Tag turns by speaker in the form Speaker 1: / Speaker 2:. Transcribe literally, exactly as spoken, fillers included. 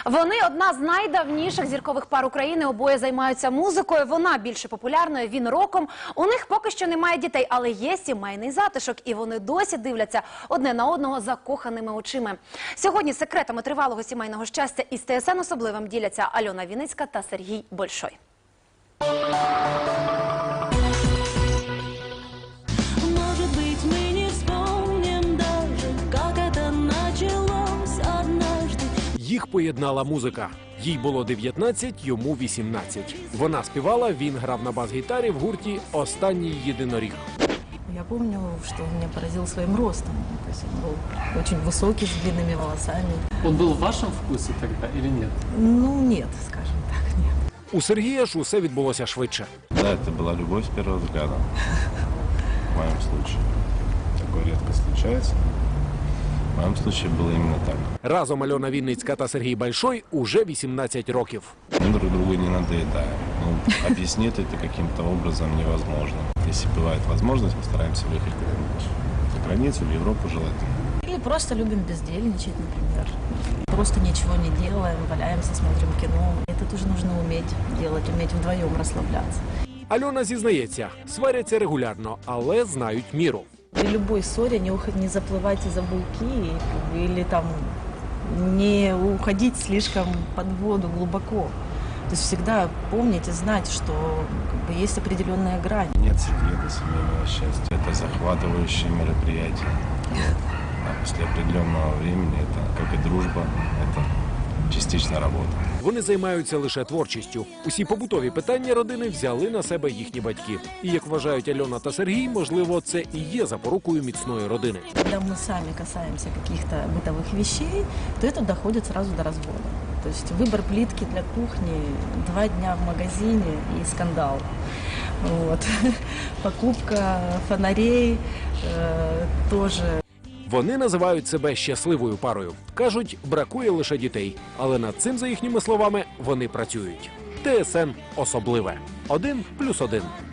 Speaker 1: Вони одна з найдавніших зіркових пар України, обоє займаються музикою, вона більше популярною, він роком. У них поки що немає дітей, але є сімейний затишок, і вони досі дивляться одне на одного закоханими очима. Сьогодні секретами тривалого сімейного щастя із Т С Н особливим діляться Альона Вінницька та Сергій Большой.
Speaker 2: Їх поєднала музика. Їй було дев'ятнадцять, йому вісімнадцять. Вона співала, він грав на бас-гітарі в гурті «Останній єдиноріг».
Speaker 3: Я помню, что он меня поразил своим ростом. То есть он был очень высокий, с длинными волосами.
Speaker 4: Он был в вашем вкусе тогда или нет?
Speaker 3: Ну, нет, скажем так, нет.
Speaker 2: У Сергія ж усе відбулося швидше.
Speaker 5: Да, это была любовь с первого взгляда. В моем случае. Такое редко случается. В моем случае было именно так.
Speaker 2: Разом Альона Вінницька та Сергій Большой уже вісімнадцять років.
Speaker 5: Мы друг другу не надоедаем. Ну, объяснить это каким-то образом невозможно. Если бывает возможность, мы стараемся выехать куда-нибудь за границу, в Европу желательно.
Speaker 3: Или просто любим бездельничать, например. Просто ничего не делаем, валяемся, смотрим кино. Это тоже нужно уметь делать, уметь вдвоем расслабляться.
Speaker 2: Альона зізнається, сваряться регулярно, але знають міру.
Speaker 3: При любой ссоре не, уход... не заплывайте за буйки или там не уходить слишком под воду глубоко. То есть всегда помнить и знать, что как бы, есть определенная грань.
Speaker 5: Нет секрета семейного счастья. Это захватывающее мероприятие. А после определенного времени это, как и дружба, это частично робота.
Speaker 2: Вони займаються лише творчістю. Усі побутові питання родини взяли на себе їхні батьки. І, як вважають Альона та Сергій, можливо, це і є запорукою міцної родини.
Speaker 3: Когда мы сами касаемся каких-то бытовых вещей, то это доходит сразу до развода. То есть выбор плитки для кухни, два дня в магазине и скандал. Вот. Покупка фонарей э, тоже.
Speaker 2: Вони називають себе щасливою парою. Кажуть, бракує лише дітей. Але над цим, за їхніми словами, вони працюють. Т С Н особливе. Один плюс один.